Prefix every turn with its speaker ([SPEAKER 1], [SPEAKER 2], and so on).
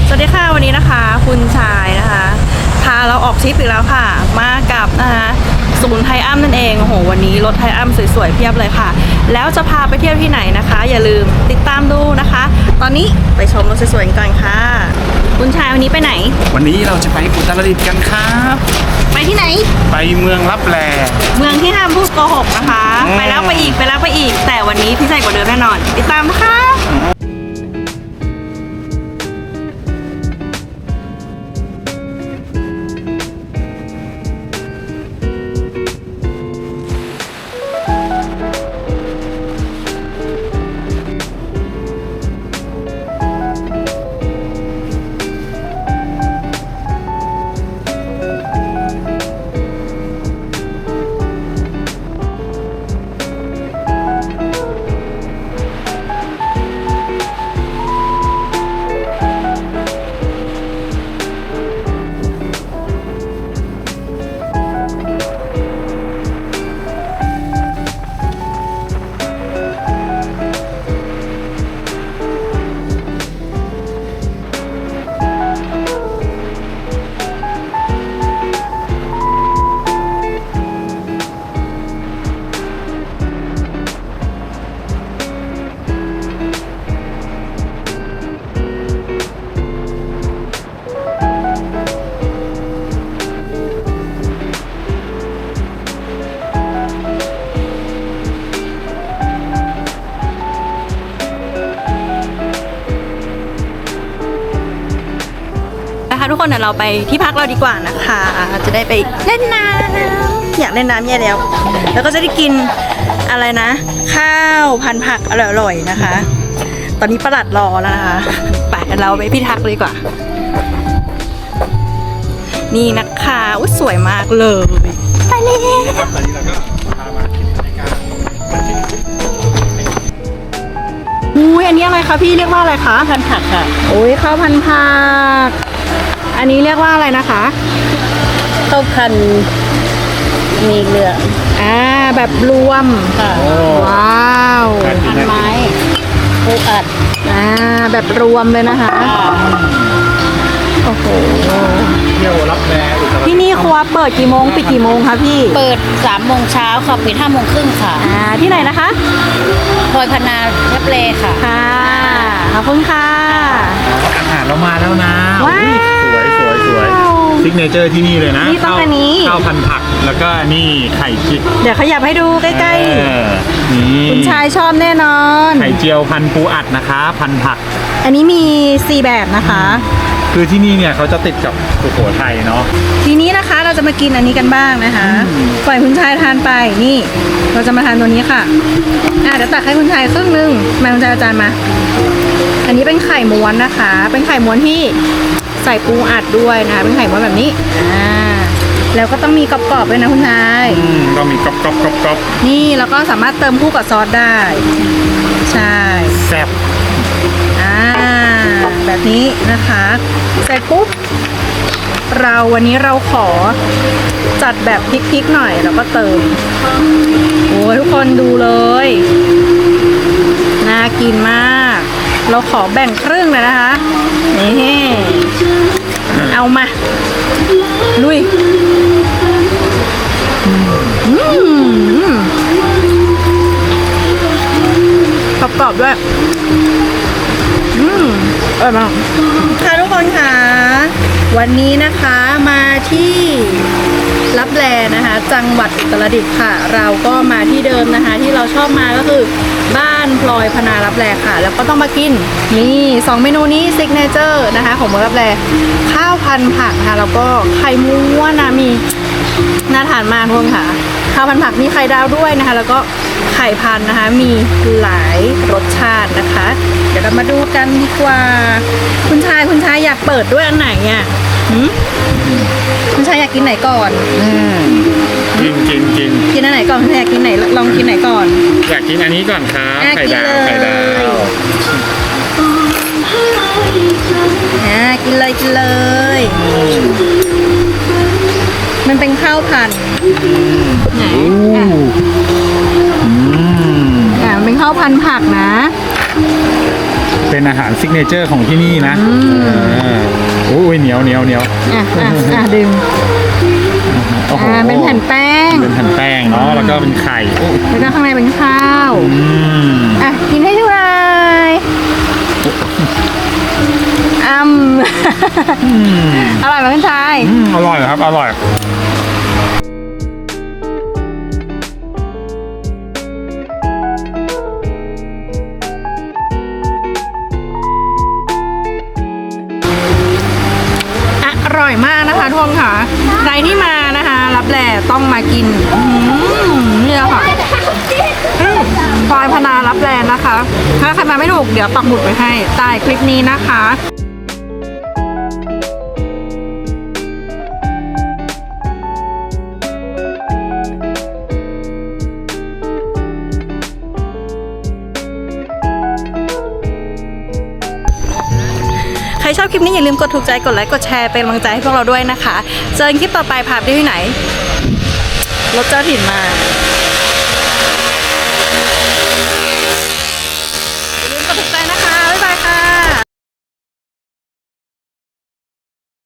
[SPEAKER 1] สวัสดีค่ะวันนี้นะคะคุณชายนะคะพาเราออกทริปอีกแล้วค่ะมากับนะคะศูนย์ไทอัมนั่นเองโอ้โหวันนี้รถไทอัมสวยๆเพียบเลยค่ะแล้วจะพาไปเที่ยวที่ไหนนะคะอย่าลืมติดตามดูนะคะ ตอนนี้ไปชมรถสวยๆกันก่อนค่ะคุณชายวันนี้ไปไหน
[SPEAKER 2] วันนี้เราจะไปอุตรดิตถ์กันครับ
[SPEAKER 1] ไปที่ไหน
[SPEAKER 2] ไปเมืองลับแล
[SPEAKER 1] เมืองที่ห้ามพูดโกหกนะคะไปแล้วไปอีกแต่วันนี้พิเศษกว่าเดิมแน่นอนติดตามนะคะทุกคนเดี๋ยวเราไปที่พักเราดีกว่านะคะจะได้ไปเล่นน้ำอยากเล่นน้ำแย่แล้วแล้วก็จะได้กินอะไรนะข้าวพันผักอร่อยๆนะคะตอนนี้ประหลัดรอแล้วนะคะไปเราไปที่พักเลยดีกว่านี่นะคะอุ๊ยสวยมากเลยไปเลยตอนนี้เราก็พามาที่บรรยากาศอุ้ยอันนี้อะไรคะพี่เรียกว่าอะไรคะพันผักค่ะโอ้ยข้าวพันผักอันนี้เรียกว่าอะไรนะคะ
[SPEAKER 3] ข้าวพันมีเหลือง
[SPEAKER 1] แบบรวม
[SPEAKER 3] ค่ะ
[SPEAKER 1] ว้าว
[SPEAKER 3] พันไม้ปูอัด
[SPEAKER 1] แบบรวมเลยนะคะโอ้โห
[SPEAKER 2] เที่ยวรับแล
[SPEAKER 1] ที่นี่ครัวเปิดกี่โมงปิดกี่โมงคะพี่
[SPEAKER 3] เปิด3 โมงเช้าค่ะปิด5 โมงครึ่งค่ะ
[SPEAKER 1] ที่ไหนนะคะ
[SPEAKER 3] พลอยพนารับเลค่ะ
[SPEAKER 1] ขอบคุณค่ะ
[SPEAKER 2] อาหารเรามาแล้วนะสวยซิกเนเจอร์ที่นี่เลยนะ
[SPEAKER 1] นี่ต้องอันนี้
[SPEAKER 2] ข้าวพันผักแล้วก็นี่ไข่จิก
[SPEAKER 1] เดี๋ยวขยับให้ดูใกล้ๆ
[SPEAKER 2] นี่
[SPEAKER 1] คุณชายชอบแน่นอน
[SPEAKER 2] ไข่เจียวพันปูอัดนะคะพันผัก
[SPEAKER 1] อันนี้มี4แบบนะคะ
[SPEAKER 2] คือที่นี่เนี่ยเขาจะติดกับสุโขทัยเนาะ
[SPEAKER 1] ทีนี้นะคะเราจะมากินอันนี้กันบ้างนะคะปล่อยคุณชายทานไปนี่เราจะมาทานตัวนี้ค่ะเดี๋ยวตักให้คุณชายครึ่งนึงมาคุณชายอาจารย์มาอันนี้เป็นไข่ม้วนนะคะเป็นไข่ม้วนที่ใส่ปูอัดด้วยนะคะเป็นไข่ม้วนแบบนี้แล้วก็ต้องมีกรอบๆด้วยนะคุณชาย
[SPEAKER 2] ต้องมีกรอบ
[SPEAKER 1] นี่แล้วก็สามารถเติมคู่กับซอสได้ใช่
[SPEAKER 2] แซ่บ
[SPEAKER 1] แบบนี้นะคะเสร็จปุ๊บวันนี้เราขอจัดแบบพริกๆหน่อยแล้วก็เติมโอ้ยทุกคนดูเลยน่ากินมากเราขอแบ่งครึ่งเลยนะคะนี่เอามาลุยกรอบๆด้วยอร่อยมากค่ะทุกคนค่ะวันนี้นะคะมาที่ลับแลนะคะจังหวัดอุตรดิตถ์ค่ะเราก็มาที่เดิมนะคะที่เราชอบมาก็คือบ้านพลอยพนาลับแลค่ะแล้วก็ต้องมากินนี่2 เมนูนี้ซิกเนเจอร์นะคะของเมืองลับแลข้าวพันผักค่ะแล้วก็ไข่ม้วนนะมีน่าทานมากทุกคนค่ะข้าวพันผักมีไข่ดาวด้วยนะคะแล้วก็ไข่พันนะคะมีหลายรสชาตินะคะเดี๋ยวเรามาดูกันดีกว่าคุณชายอยากเปิดด้วยอันไหนอ่ะคุณชายอยากกินไหนก่อน
[SPEAKER 2] กิน
[SPEAKER 1] อันไหนก่อนคุณชายอยากกินไหนลองกินไหนก่อน
[SPEAKER 2] อยากกินอันนี้ก่อนครับไข่ดาว
[SPEAKER 1] กินเลยมันเป็นข้าวพันไหนเป็นข้าวพันผักนะ
[SPEAKER 2] เป็นอาหารซิกเนเจอร์ของที่นี่นะโอ้ยเหนียว
[SPEAKER 1] ดื่ม
[SPEAKER 2] โอ้โห
[SPEAKER 1] เป็นแผ่นแป้ง
[SPEAKER 2] เป็นแผ่นแป้งเนาะแล้วก็เป็นไข่โอ้
[SPEAKER 1] แล้วก็ข้างในเป็นข้าว กินให้ดูเลยอร่อยไหมคุณชาย
[SPEAKER 2] อร่อยครับอร่อย
[SPEAKER 1] อร่อยมากนะคะทุกคนค่ะใครที่มานะคะรับแลต้องมากินนี่แหละค่ะซอยพนารับแลนะคะ ถ้าใครมาไม่ถูกเดี๋ยวปักหมุดไว้ให้ใต้คลิปนี้นะคะใครชอบคลิปนี้อย่าลืมกดถูกใจกดไลค์กดแชร์เป็นกำลังใจให้พวกเราด้วยนะคะเจอกันคลิปต่อไปพาไปที่ไหนรถเจ้าถิ่นมาอย่าลืมกดถูกใจนะคะบ๊ายบายค่ะ